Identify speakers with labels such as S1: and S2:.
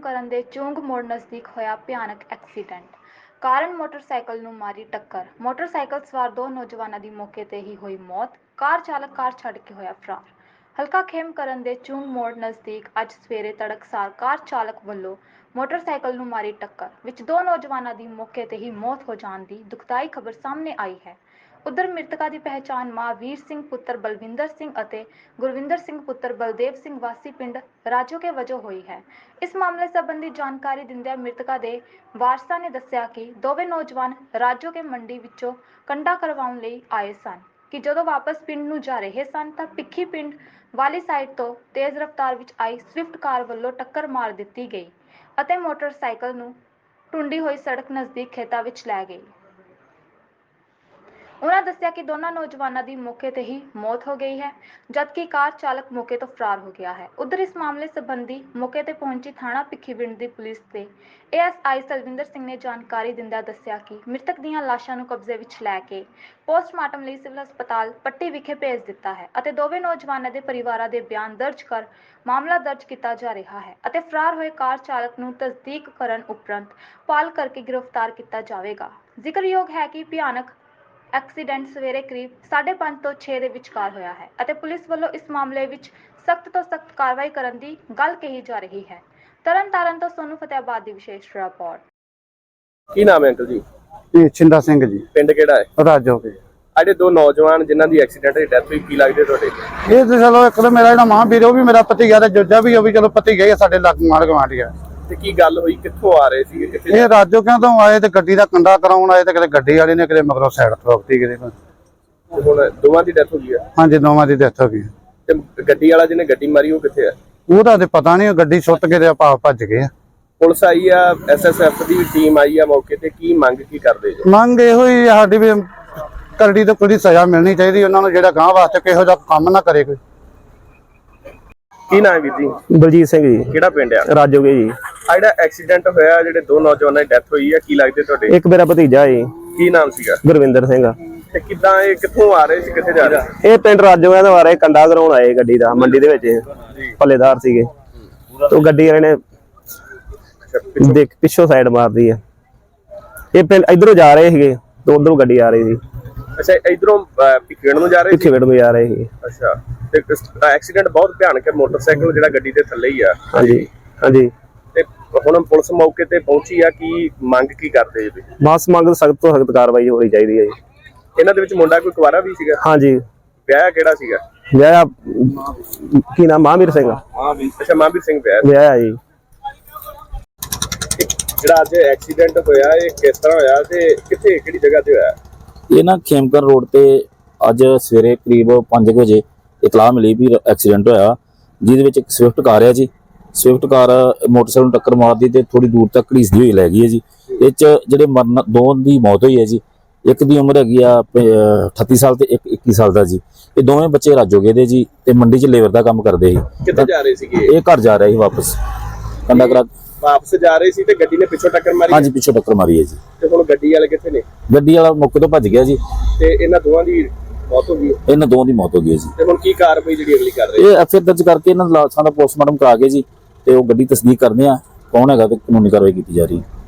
S1: ਕਰਨ ਦੇ ਚੁੰਗ ਮੋੜ ਨਜ਼ਦੀਕ ਹੋਇਆ ਭਿਆਨਕ ਐਕਸੀਡੈਂਟ। ਕਾਰਨ ਮੋਟਰਸਾਈਕਲ ਨੂੰ ਮਾਰੀ ਟੱਕਰ। ਮੋਟਰਸਾਈਕਲ ਸਵਾਰ ਦੋ ਨੌਜਵਾਨਾਂ ਦੀ ਮੌਕੇ ਤੇ ਹੀ ਹੋਈ ਮੌਤ। ਕਾਰ ਚਾਲਕ ਕਾਰ ਛੱਡ ਕੇ ਹੋਇਆ ਫਰਾਰ। ਹਲਕਾ ਖੇਮ ਕਰਨ ਦੇ ਚੁੰਗ ਮੋੜ ਨਜ਼ਦੀਕ ਅੱਜ ਸਵੇਰੇ ਤੜਕਸਾਰ ਕਾਰ ਚਾਲਕ ਵੱਲੋਂ ਮੋਟਰਸਾਈਕਲ ਨੂੰ ਮਾਰੀ ਟੱਕਰ ਵਿੱਚ ਦੋ ਨੌਜਵਾਨਾਂ ਦੀ ਮੌਕੇ ਤੇ ਹੀ ਮੌਤ ਹੋ ਜਾਣ ਦੀ ਦੁਖਦਾਈ ਖਬਰ ਸਾਹਮਣੇ ਆਈ ਹੈ। उधर मृतका की पहचान महावीर सिंह पुत्र बलविंदर सिंह और गुरविंदर सिंह पुत्र बलदेव सिंह वासी पिंड राजो के वजह हुई है। इस मामले संबंधी जानकारी दिंदे मृतका के वारसां ने दस्सिया कि दोवें नौजवान राजो के मंडी विचों कंडा करवाउण लई आए सन कि जदों वापस पिंड नूं जा रहे सन तां पिखी पिंड वाली साइड तो तेज़ रफ्तार विच आई स्विफ्ट कार वल्लों टक्कर मार दित्ती गई अते मोटरसाइकिल नूं टुंडी होई सड़क नज़दीक खेतां विच लै गई। उन्होंने दस्सिया कि दोनों नौजवानों की मौके ते ही मौत हो गई है जबकि कार चालक मौके तो फरार हो गया है। उधर इस मामले संबंधी मौके ते पहुंची थाना भिखीविंड की पुलिस के ASI सलविंदर सिंह ने जानकारी दिंदा दस्सिया कि मृतक दीआं लाशां नूं कब्जे विच लैके पोस्टमार्टम लई सिविल हस्पताल पट्टी विखे भेज दिता है अते दोवें नौजवानों के परिवारां दे बयान दर्ज कर मामला दर्ज किया जा रहा है अते फरार होए कार चालक नूं तस्दीक करन उपरंत पाल करके गिरफ्तार किया जाएगा। जिक्रयोग है कि भयानक एक्सीडेंट सवेरे करीब 5:30 तो 6 ਦੇ ਵਿਚਕਾਰ ਹੋਇਆ ਹੈ ਅਤੇ ਪੁਲਿਸ ਵੱਲੋਂ ਇਸ ਮਾਮਲੇ ਵਿੱਚ ਸਖਤ ਤੋਂ ਸਖਤ ਕਾਰਵਾਈ ਕਰਨ ਦੀ ਗੱਲ ਕਹੀ ਜਾ ਰਹੀ ਹੈ। ਤਰਨਤਾਰਨ ਤੋਂ ਸੋਨੂ ਫਤਿਆਬਾਦ ਦੀ ਵਿਸ਼ੇਸ਼ ਰਿਪੋਰਟ।
S2: ਕੀ ਨਾਮ ਹੈ ਅੰਕਲ ਜੀ?
S3: ਇਹ ਛਿੰਦਾ ਸਿੰਘ ਜੀ।
S2: ਪਿੰਡ ਕਿਹੜਾ ਹੈ?
S3: ਰਾਜੋ ਕੇ।
S2: ਅਜੇ ਦੋ ਨੌਜਵਾਨ ਜਿਨ੍ਹਾਂ ਦੀ ਐਕਸੀਡੈਂਟ ਦੀ ਡੈਥ ਹੋਈ, ਕੀ ਲੱਗਦੇ ਤੁਹਾਡੇ?
S3: ਇਹ ਤੇ ਚਲੋ ਇੱਕ ਤਾਂ ਮੇਰਾ ਜਿਹੜਾ ਮਾਂ ਵੀਰ ਉਹ ਵੀ ਮੇਰਾ ਪਤੀ ਗਿਆ ਤੇ ਜੱਜਾ ਵੀ ਉਹ ਵੀ ਚਲੋ ਪਤੀ ਗਏ ਸਾਡੇ ਲੱਗ ਮਾਰ ਗਵਾਂਢੀ ਆ।
S2: ਤੇ ਕੀ ਗੱਲ ਹੋਈ, ਕਿੱਥੋਂ ਆ ਰਹੇ ਸੀ, ਕਿੱਥੇ?
S3: ਇਹ ਰਾਜੋ ਕਿਉਂ ਤੋਂ ਆਏ ਤੇ ਗੱਡੀ ਦਾ ਕੰਡਾ ਕਰਾਉਣ ਆਏ ਤੇ ਕਿਤੇ ਗੱਡੀ ਵਾਲੇ ਨੇ ਕਿਤੇ ਮਗਰੋਂ ਸਾਈਡ ਠੋਕਤੀ ਕਿਤੇ।
S2: ਹੁਣ ਦੋਵਾਂ ਦੀ ਡੈਥ ਹੋ ਗਈ ਹੈ?
S3: ਹਾਂਜੀ ਦੋਵਾਂ ਦੀ ਡੈਥ ਹੋ ਗਈ।
S2: ਤੇ ਗੱਡੀ ਵਾਲਾ ਜਿਹਨੇ ਗੱਡੀ ਮਾਰੀ ਉਹ ਕਿੱਥੇ ਹੈ?
S3: ਉਹਦਾ ਤੇ ਪਤਾ ਨਹੀਂ, ਗੱਡੀ ਸੁੱਟ ਕੇ ਤੇ ਆਪਾਂ ਭੱਜ ਗਏ ਆ।
S2: ਪੁਲਿਸ ਆਈ ਆ, SSF ਦੀ ਟੀਮ ਆਈ ਆ ਮੌਕੇ ਤੇ, ਕੀ ਮੰਗ ਕੀ ਕਰਦੇ ਜੀ?
S3: ਮੰਗ ਇਹੋ ਹੀ ਸਾਡੀ ਵੀ ਕਰੜੀ ਤੋਂ ਕੋਈ ਸਜ਼ਾ ਮਿਲਣੀ ਚਾਹੀਦੀ ਉਹਨਾਂ ਨੂੰ, ਜਿਹੜਾ ਗਾਂ ਵਾਸਤੇ ਕਿਹੋ ਜਿਹਾ ਕੰਮ ਨਾ ਕਰੇ ਕੋਈ।
S2: ਕੀ ਨਾਮ ਹੈ ਵੀਰ ਜੀ?
S4: ਬਲਜੀਤ ਸਿੰਘ ਜੀ।
S2: ਕਿਹੜਾ ਪਿੰਡ ਆ?
S4: ਰਾਜੋਗੇ ਜੀ।
S2: ਆ ਜਿਹੜਾ ਐਕਸੀਡੈਂਟ ਹੋਇਆ, ਜਿਹੜੇ ਦੋ ਨੌਜਵਾਨਾਂ ਦੀ ਡੈਥ ਹੋਈ ਆ, ਕੀ ਲੱਗਦੇ ਤੁਹਾਡੇ?
S4: ਇੱਕ ਮੇਰਾ ਭਤੀਜਾ ਜੀ।
S2: ਕੀ ਨਾਮ ਸੀਗਾ?
S4: ਗੁਰਵਿੰਦਰ ਸਿੰਘ।
S2: ਤੇ ਕਿੱਦਾਂ ਇਹ ਕਿੱਥੋਂ ਆ ਰਹੇ ਸੀ, ਕਿੱਥੇ ਜਾ ਰਹੇ ਸੀ?
S4: ਇਹ ਪਿੰਡ ਰਾਜੋਗੇ ਤੋਂ ਆ ਰਹੇ, ਕੰਡਾ ਕਰਾਉਣ ਆਏ ਗੱਡੀ ਦਾ ਮੰਡੀ ਦੇ ਵਿੱਚ, ਪੱਲੇਦਾਰ ਸੀਗੇ। ਤੋਂ ਗੱਡੀ ਵਾਲੇ ਨੇ ਦੇਖ ਪਿੱਛੋਂ ਸਾਈਡ ਮਾਰਦੀ ਆ। ਇਹ ਪਿੰਡ ਇਧਰੋਂ ਜਾ ਰਹੇ ਸੀਗੇ ਤੇ ਉਧਰੋਂ ਗੱਡੀ ਆ ਰਹੀ ਸੀ।
S2: ਅੱਛਾ, ਇਧਰੋਂ ਭਿੱਖੀਵਿੰਡ ਨੂੰ ਜਾ ਰਹੇ ਸੀ?
S4: ਭਿੱਖੀਵਿੰਡ ਨੂੰ ਜਾ ਰਹੇ ਸੀ।
S2: ਅੱਛਾ, ਤੇ ਐਕਸੀਡੈਂਟ ਬਹੁਤ ਭਿਆਨਕ ਹੈ, ਮੋਟਰਸਾਈਕਲ ਜਿਹੜਾ ਗੱਡੀ ਦੇ ਥੱਲੇ ਹੀ ਆ।
S4: ਹਾਂਜੀ ਹਾਂਜੀ।
S2: ਤੇ ਹੁਣ ਪੁਲਿਸ ਮੌਕੇ ਤੇ ਪਹੁੰਚੀ ਆ, ਕੀ ਮੰਗ ਕੀ ਕਰਦੇ ਜੀ?
S4: ਬਸ ਮੰਗ ਸਖਤ ਤੋਂ ਸਖਤ ਕਾਰਵਾਈ ਹੋਣੀ ਚਾਹੀਦੀ ਹੈ ਜੀ।
S2: ਇਹਨਾਂ ਦੇ ਵਿੱਚ ਮੁੰਡਾ ਕੋਈ ਕੁਵਾਰਾ ਵੀ ਸੀਗਾ?
S4: ਹਾਂਜੀ।
S2: ਵਿਆਹ ਕਿਹੜਾ ਸੀਗਾ?
S4: ਵਿਆਹ ਕੀ ਨਾਮ? ਮਹਾਂਵੀਰ ਸਿੰਘ।
S2: ਅੱਛਾ, ਮਹਾਂਵੀਰ ਸਿੰਘ
S4: ਵਿਆਹ ਜੀ।
S2: ਜਿਹੜਾ ਅੱਜ ਐਕਸੀਡੈਂਟ ਹੋਇਆ, ਇਹ ਕਿਸ ਤਰ੍ਹਾਂ ਹੋਇਆ ਤੇ ਕਿੱਥੇ, ਕਿਹੜੀ ਜਗ੍ਹਾ ਤੇ ਹੋਇਆ?
S5: ਇਹ ਨਾ ਖੇਮਕਰ ਰੋਡ ਤੇ ਅੱਜ ਸਵੇਰੇ ਕਰੀਬ 5 ਵਜੇ ਇਤਲਾਹ ਮਿਲੀ ਵੀ ਐਕਸੀਡੈਂਟ ਹੋਇਆ, ਜਿਹਦੇ ਵਿੱਚ ਇੱਕ ਸਵਿਫਟ ਕਾਰ ਹੈ ਜੀ। ਸਵਿਫਟ ਕਾਰ ਮੋਟਰਸਾਈਕਲ ਨੂੰ ਟੱਕਰ ਮਾਰਦੀ ਤੇ ਥੋੜੀ ਦੂਰ ਤੱਕ ਘੜੀਸਦੀ ਹੋਈ ਲੈ ਗਈ ਹੈ ਜੀ। ਇਹ 'ਚ ਜਿਹੜੇ ਮਰਨ ਦੋ ਦੀ ਮੌਤ ਹੋਈ ਹੈ ਜੀ। ਇੱਕ ਦੀ ਉਮਰ ਹੈਗੀ ਆ 38 ਸਾਲ ਤੇ ਇੱਕ 21 ਸਾਲ ਦਾ ਜੀ। ਇਹ ਦੋਵੇਂ ਬੱਚੇ ਰਾਜੋਗੇ ਦੇ ਜੀ ਤੇ ਮੰਡੀ 'ਚ ਲੇਬਰ ਦਾ ਕੰਮ ਕਰਦੇ ਸੀ।
S2: ਕਿੱਥੇ ਜਾ ਰਹੇ ਸੀਗੇ?
S5: ਇਹ ਘਰ ਜਾ ਰਹੇ ਸੀ ਵਾਪਸ, ਕੰਡਾ ਕਰਾ
S2: ਵਾਪਸ ਜਾ ਰਹੇ ਸੀ ਤੇ ਗੱਡੀ ਨੇ ਪਿੱਛੋਂ ਟੱਕਰ ਮਾਰੀ?
S5: ਹਾਂਜੀ, ਪਿੱਛੋਂ ਟੱਕਰ ਮਾਰੀ ਹੈ ਜੀ।
S2: ਤੇ ਹੁਣ ਗੱਡੀ ਵਾਲੇ ਕਿੱਥੇ ਨੇ?
S5: ਗੱਡੀ ਵਾਲਾ ਮੌਕੇ ਤੋਂ ਭੱਜ ਗਿਆ ਜੀ
S2: ਤੇ ਇਹਨਾਂ ਦੋਵਾਂ ਦੀ ਮੌਤ ਹੋ ਗਈ?
S5: ਇਹਨਾਂ ਦੋਵਾਂ ਦੀ ਮੌਤ ਹੋ ਗਈ ਹੈ ਜੀ।
S2: ਤੇ ਹੁਣ ਕੀ ਕਾਰਵਾਈ ਜਿਹੜੀ ਅਗਲੀ ਕਰ ਰਹੇ?
S5: ਇਹ FIR ਦਰਜ ਕਰਕੇ ਇਹਨਾਂ ਲਾਸ਼ਾਂ ਦਾ ਪੋਸਟਮਾਰਟਮ ਕਰਾ ਕੇ ਜੀ ਤੇ ਉਹ ਗੱਡੀ ਤਸਦੀਕ ਕਰਦੇ ਆ ਕੌਣ ਹੈਗਾ ਤੇ ਕਾਨੂੰਨੀ ਕਾਰਵਾਈ ਕੀਤੀ ਜਾ ਰਹੀ ਹੈ।